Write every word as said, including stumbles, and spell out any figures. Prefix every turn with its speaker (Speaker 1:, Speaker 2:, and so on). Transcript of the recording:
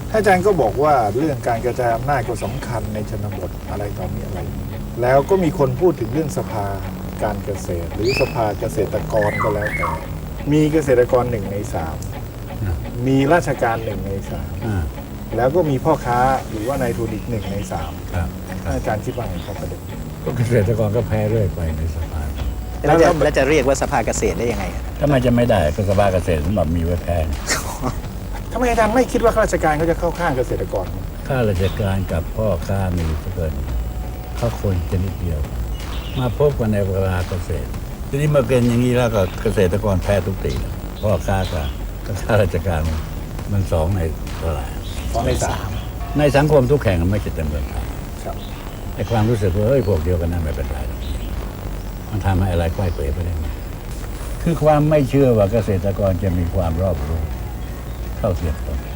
Speaker 1: ท่านอาจารย์ก็บอกว่าเรื่องการกระจายอำนาจก็สำคัญในชนบทอะไรต่อมีอะไร แล้วก็มีคนพูดถึงเรื่องสภาการเกษตร หรือสภาเกษตรกรก็แล้วแต่มีเกษตรกรหนึ่งในสามมีราชการหนึ่งในสามแล้วก็มีพ่อค้าหรือว่านายทุนอีกหนึ่งในสามท่านอาจารย์คิดว่าไงครับประเด็น
Speaker 2: ก็เกษตรกรก็แพ้เรื่อยไปในสภา
Speaker 3: แล้วจะแล้วจะเรียกว่าสภาเกษตรได้ยังไง
Speaker 2: ถ้ามันจะไม่ได้ก็สภาเกษตรสำหรับมีไว้แพ้
Speaker 1: ทำไมอาจารย์ไม่คิดว่าข้าราชการเขาจะเข้าข้างเกษตรกร
Speaker 2: ข้าราชการกับพ่อค้ามีเกินเขาคนจะนิดเดียว มาพบกันในเวลาเกษตรทีนี้มาเป็นอย่างนี้แล้วก็เกษตรกรแพ้ทุกตีแล้วพ่อค้ากับข้าราชการมันสองในเท่าไหร่
Speaker 1: สองในสาม
Speaker 2: ในสังคมทุกแห่งมันไม่จะเต็มเลย
Speaker 1: ครับ
Speaker 2: ไอ้ความรู้สึกว่าเอ้ยพวกเดียวกันนั้นไม่เป็นไรหรอกมันทำให้อะไรใกล้เปรไปได้ไหมคือความไม่เชื่อว่าเกษตรกรจะมีความรอบรู้เท่าเทียมกัน